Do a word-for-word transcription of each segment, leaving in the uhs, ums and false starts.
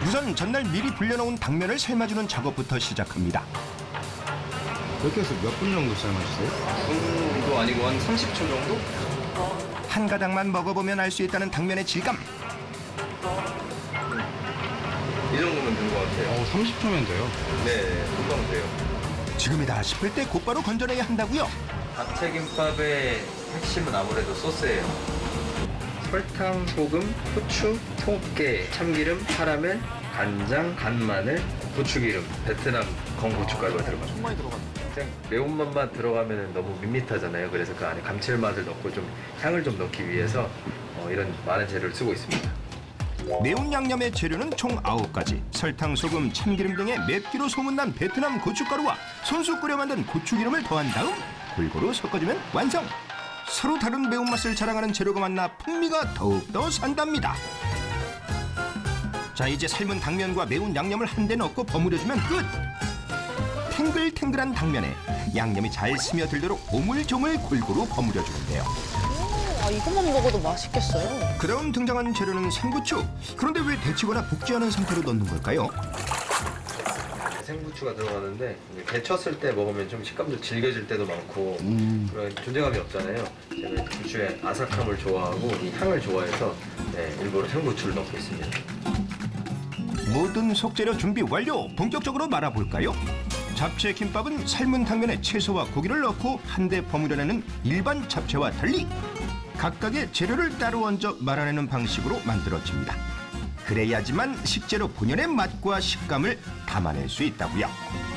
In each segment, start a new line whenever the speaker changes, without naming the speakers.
우선 전날 미리 불려놓은 당면을 삶아주는 작업부터 시작합니다.
이렇게 해서 몇 분 정도 삶아주세요?
정도 아니고 한 삼십 초 정도?
한 가닥만 먹어보면 알 수 있다는 당면의 질감.
이 정도면 된 것 같아요.
어, 삼십 초면 돼요.
네, 금방 돼요.
지금이다 싶을 때 곧바로 건져내야 한다고요.
잡채김밥의 핵심은 아무래도 소스예요. 설탕, 소금, 후추, 통깨, 참기름, 카라멜, 간장, 간마늘, 고추기름, 베트남 건고춧가루가 들어가요. 정말 많이 들어가요. 그냥 매운맛만 들어가면 너무 밋밋하잖아요. 그래서 그 안에 감칠맛을 넣고 좀 향을 좀 넣기 위해서 어, 이런 많은 재료를 쓰고 있습니다.
매운 양념의 재료는 총 아홉 가지. 설탕, 소금, 참기름 등의 맵기로 소문난 베트남 고춧가루와 손수 끓여 만든 고추기름을 더한 다음 골고루 섞어주면 완성. 서로 다른 매운맛을 자랑하는 재료가 만나 풍미가 더욱더 산답니다. 자, 이제 삶은 당면과 매운 양념을 한데 넣고 버무려주면 끝. 탱글탱글한 당면에 양념이 잘 스며들도록 오물조물 골고루 버무려주는데요.
아, 이것만 먹어도 맛있겠어요.
그다음 등장한 재료는 생부추. 그런데 왜 데치거나 볶지 않은 상태로 넣는 걸까요?
생부추가 들어가는데 이제 데쳤을 때 먹으면 좀 식감도 질겨질 때도 많고 그런 존재감이 없잖아요. 제가 부추의 아삭함을 좋아하고 이 향을 좋아해서 네, 일부러 생부추를 넣고 있습니다.
모든 속재료 준비 완료. 본격적으로 말아볼까요? 잡채 김밥은 삶은 당면에 채소와 고기를 넣고 한데 버무려내는 일반 잡채와 달리 각각의 재료를 따로 얹어 말아내는 방식으로 만들어집니다. 그래야지만 식재료 본연의 맛과 식감을 담아낼 수 있다고요.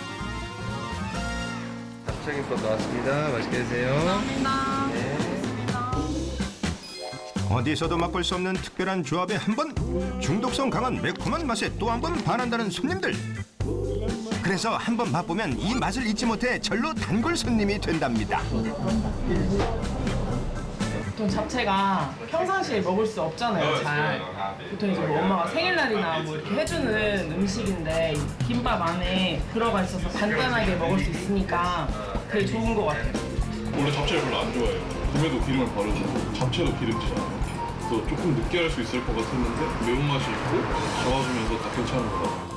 잡채김밥 나왔습니다. 맛있게 드세요. 감사합니다. 네.
어디서도 맛볼 수 없는 특별한 조합에 한 번, 중독성 강한 매콤한 맛에 또 한 번 반한다는 손님들. 그래서 한 번 맛보면 이 맛을 잊지 못해 절로 단골 손님이 된답니다.
보통 잡채가 평상시에 먹을 수 없잖아요, 잘. 보통 이제 뭐 엄마가 생일날이나 뭐 이렇게 해주는 음식인데 김밥 안에 들어가 있어서 간단하게 먹을 수 있으니까 되게 좋은 것 같아요.
원래 잡채를 별로 안 좋아해요. 김에도 기름을 바르고 잡채도 기름지잖아요. 그래서 조금 느끼할 수 있을 것 같았는데 매운맛이 있고 잡아주면서 다 괜찮은 것 같아요.